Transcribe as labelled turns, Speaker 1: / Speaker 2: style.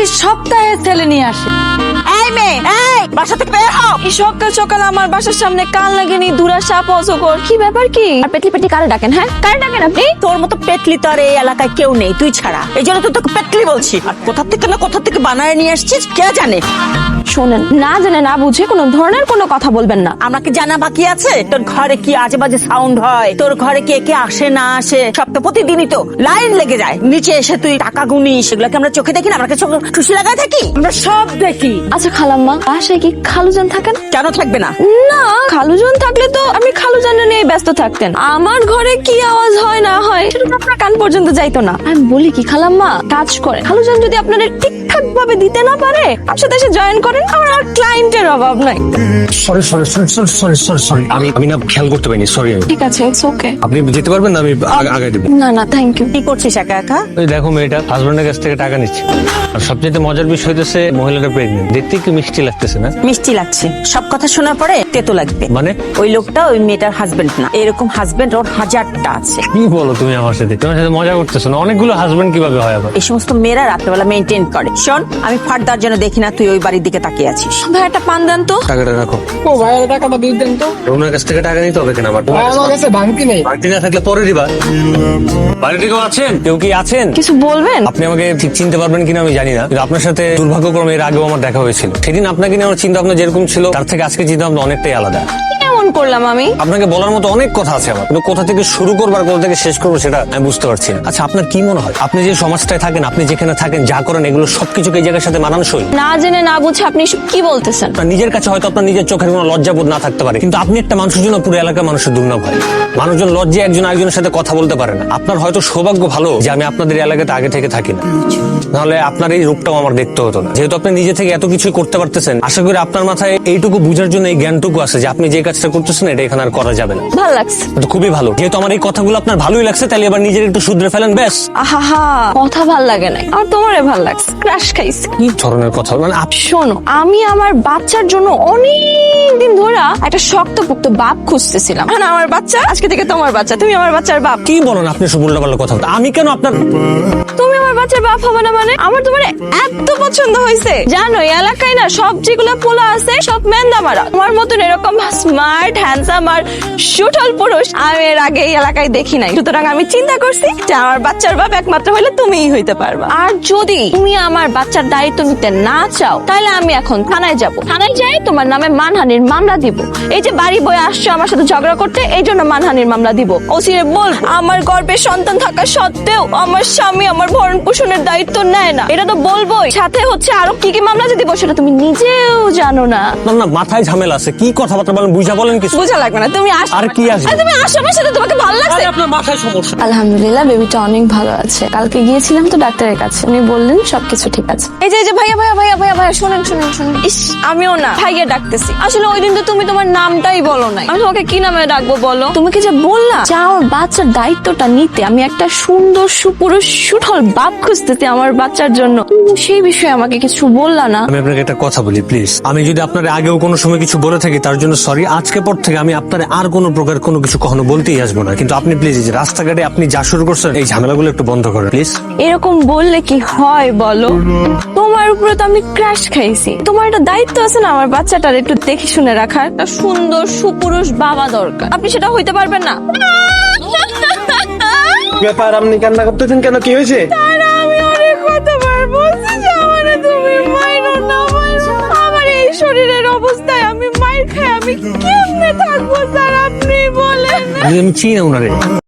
Speaker 1: সপ্তাহে ছেলে নিয়ে আসে।
Speaker 2: এই মেয়ে, এই বাসা থেকে বের হও।
Speaker 1: এই সকাল সকাল আমার বাসার সামনে কান লাগেনি, দুরা সাপ অজগর, কি ব্যাপার কি? আর পেটলি পেটলি কারে ডাকেন? হ্যাঁ, কারে ডাকেন আপনি?
Speaker 2: তোর মতো পেটলি তো আর এই এলাকায় কেউ নেই, তুই ছাড়া। এই জন্য তো তোকে পেটলি বলছি। আর কোথা থেকে বানায় নিয়ে আসছিস কে জানে।
Speaker 1: শোনেন, না জেনে না বুঝে কোনো ধরনের কোনো কথা বলবেন না।
Speaker 2: আমাকে জানা বাকি আছে তোর ঘরে কি আজে বাজে সাউন্ড হয়, তোর ঘরে কে কে আসে না আসে, সব তো প্রতিদিনই তো লাইন লেগে যায়। নিচে এসে তুই টাকা গুনি, সেগুলোকে আমরা চোখে দেখি না? আমরা চোখে খুশি লাগায় থাকি? আমরা সব দেখি।
Speaker 1: আচ্ছা খালাম্মা, বাসায় কি খালুজান থাকেন?
Speaker 2: কেন থাকবে না?
Speaker 1: না, খালুজান থাকলে তো আপনি খালুজানের নিয়ে ব্যস্ত থাকতেন। আমার ঘরে কি আওয়াজ হয় না হয় সেটা তো আপনার কান পর্যন্ত যাইতো না। আমি বলি কি খালাম্মা, কাজ করে খালুজান যদি আপনাদের ঠিকঠাক ভাবে দিতে না পারে, আপনার সাথে এসে জয়েন করেন। আমার আর ক্লায়েন্টের অভাব নাই।
Speaker 3: সরি আমি না খেয়াল করতে পারিনি, সরি।
Speaker 1: ঠিক আছে, ইটস ওকে।
Speaker 3: আপনি যেতে পারবেন না? আমি আগে দেবো।
Speaker 1: না না, থ্যাংক ইউ।
Speaker 2: কি করছিস একা একা?
Speaker 3: ওই দেখো, মেয়েটা হাজবেন্ডের কাছ থেকে টাকা নিচ্ছে। আর সবচেয়ে মজার বিষয় হচ্ছে মহিলাটা প্রেগনেন্ট। দেখতে কি মিষ্টি লাগতেছে না?
Speaker 2: মিষ্টি লাগছে, সব কথা শোনার পরে তেতো লাগবে।
Speaker 3: মানে
Speaker 2: ওই লোকটা ওই মেয়েটার হাজবেন্ড না। এরকম হাজবেন্ড ওর হাজারটা আছে।
Speaker 3: কি বলো তুমি আমার সাথে? তোমার সাথে মজা করতেছো না? অনেকগুলো হাজবেন্ড কিভাবে হয় আবার?
Speaker 2: এই সমস্ত মেয়েরা রাত্রেবেলা মেনটেন করে। শোন, আমি ফার্দার যেন দেখি না তুই ওই বাড়ির দিকে তাকিয়ে আছিস।
Speaker 1: ভাই একটা পান দেন তো।
Speaker 3: টাকাটা রাখো।
Speaker 4: ও ভাই, টাকাটা দিয়ে দেন তো।
Speaker 3: ওনার কাছ থেকে টাকা নিতে হবে কেন? আমার
Speaker 4: ভাই, আমার কাছে ভাঙতি নেই।
Speaker 3: বাড়তি না থাকলে পরে দিবা। বাড়িতে কেউ আছেন? কেউ কি আছেন?
Speaker 1: কিছু বলবেন?
Speaker 3: আপনি আমাকে ঠিক চিনতে পারবেন কিনা আমি জানি না, কিন্তু আপনার সাথে দুর্ভাগ্যক্রমে এর আগেও আমার দেখা হয়েছিল। সেদিন আপনাকে নিয়ে আমার চিন্তা ভাবনা যেরকম ছিল, তার থেকে আজকে চিন্তা ভাবনা অনেকটাই আলাদা।
Speaker 1: কেমন করলাম আমি?
Speaker 3: আপনাকে বলার মতো অনেক কথা আছে আমার, কিন্তু কোথা থেকে শুরু করবো আর কোথা থেকে শেষ করবো সেটা আমি বুঝতে পারছি না। আচ্ছা, আপনার কি মনে হয় আপনি যে সমাজটায় থাকেন, আপনি যেখানে থাকেন, যা করেন, এগুলো সবকিছুকে এই জায়গার সাথে মানানসই?
Speaker 1: না জেনে না বুঝে আপনি এসব কি বলতেছেন?
Speaker 3: আপনার নিজের কাছে হয়তো আপনার নিজের চোখের কোনো লজ্জাবোধ না থাকতে পারে, কিন্তু আপনি একটা মানুষের জন্য পুরো এলাকার মানুষের দুর্নাম হয়। মানুষজন লজ্জায় একজন আরেকজনের সাথে কথা বলতে পারে না। আপনার হয়তো সৌভাগ্য ভালো যে আমি আপনাদের এলাকাতে আগে থেকে থাকি না, নাহলে আপনার এই রূপটাও আমার দেখতে হতো না। যেহেতু আপনি নিজে থেকে এত কিছু করতে পারতেছেন, আশা করি আপনার মাথায় এইটুকু বুঝার জন্য এই জ্ঞানটুকু আছে যে আপনি যে কাজটা করতেছেন এটা এখানে আর করা যাবে না।
Speaker 1: ভালো লাগছে
Speaker 3: তো খুবই ভালো। যেহেতু আমার এই কথাগুলো আপনার ভালোই লাগছে, তাহলে এবার নিজের একটু শুধরে ফেলেন, ব্যাস।
Speaker 1: আহা, কথা ভাল লাগে নাই, আর তোমারে ভাল লাগছে। ক্রাশ খাইছে।
Speaker 3: কি ধরনের কথা মানে?
Speaker 1: শোনো, আমি আমার বাচ্চার জন্য অনেক দিন ধরে একটা শক্তপোক্ত বাপ খুঁজতেছিলাম। মানে আমার বাচ্চা আজকে থেকে তোমার বাচ্চা, তুমি আমার বাচ্চার বাপ।
Speaker 3: কি বলেন আপনি? সব উল্টাপাল্টা কথা। আমি কেন আপনার?
Speaker 1: তুমি আমার বাচ্চার বাপ হবে না মানে? আমার তোমার এত পছন্দ হয়েছে, জানো এই এলাকায় না সব যেগুলো পোলা আছে সব মেন্দা মারা। তোমার মতন এরকম স্মার্ট, হ্যান্ডসাম আর সুঠল পুরুষ আমি এর আগে এই এলাকায় দেখি নাই। সুতরাং আমি চিন্তা করছি যে আমার বাচ্চার বাপ একমাত্র হইলে তুমিই হইতে পারবা। আর যদি তুমি আমার বাচ্চার দায়িত্ব নিতে না চাও, তাহলে আমি এখন থানায় যাব। থানায় যাই তোমার নামে মানহানির মামলা দিব। এই যে বাড়ি বয়ে আসছো আমার সাথে ঝগড়া করতে, এই জন্য মানহানির মামলা দিব। ওসিরে বল আমার গর্ভে সন্তান থাকা সত্ত্বেও আমার স্বামী আমার ভরণ পোষণের দায়িত্ব নেয় না, এটা তো বলবোই। সাথে হচ্ছে আরো কি কি মামলা যে দিব সেটা তুমি নিজেও জানো না।
Speaker 3: না, মাথায় ঝামেলা আছে। কি কথাবার্তা বলেন? বুঝা বলেন কিছু।
Speaker 1: বুঝা লাগবে না, তুমি আসো।
Speaker 3: আর কি আসবে?
Speaker 1: তুমি আসো আমার সাথে, তোমাকে ভালো লাগছে?
Speaker 3: আপনার মাথায় সমস্যা।
Speaker 1: আলহামদুলিল্লাহ, বেবিটা অনেক ভালো আছে। কালকে গিয়েছিলাম তো ডাক্তারের কাছে, উনি বললেন সবকিছু ঠিক আছে। এই যে ভাইয়া ভাইয়া ভাইয়া ভাইয়া ভাইয়া, শুনেন। ইস, আমিও না ভাইয়া ডাকতেছি। আসলে ওই দিন তো তুমি তোমার নামটাই বলো নাই, আমি তোমাকে কি নামে ডাকবো বলো? তোমাকে যে বললাম যে আমার বাচ্চার দায়িত্বটা নিতে, আমি একটা সুন্দর সুপুরুষ সুঠল বাপ খুঁজতেছি আমার বাচ্চার জন্য, সেই বিষয়ে আমাকে কিছু বললা না।
Speaker 3: আমি আপনাকে একটা কথা বলি প্লিজ। আমি যদি আপনার আগেও কোনো সময় কিছু বলে থাকি তার জন্য সরি। আজকে পর থেকে আমি আপনার আর কোনো প্রকার কোনো কিছু কখনো বলতেই আসবো না। কিন্তু আপনি প্লিজ এই যে রাস্তাঘাটে আপনি যা শুরু করছেন, এই ঝামেলাগুলো একটু বন্ধ করেন প্লিজ।
Speaker 1: এরকম বললে কি হয় বলো? তোমার উপরে তো আমি ক্র্যাশ খাইছি। তোমার একটা দায়িত্ব আছে না আমার বাচ্চাটার একটু দেখে শুনে রাখার। একটা সুন্দর সুপুরুষ বাবা দরকার, আপনি সেটা হইতে পারবেন না।
Speaker 4: ব্যাপার, আপনি কান্না করতেছেন কেন? কি হয়েছে?
Speaker 1: আমি অনেক কতবার বলছি যে আমারে তুমি মাইরো না, মাইরো। আমার এই শরীরের অবস্থায় আমি মাইর খাই আমি কেমনে থাকবো স্যার, আপনি বলেন।
Speaker 3: আমি চিনি না ওনারে।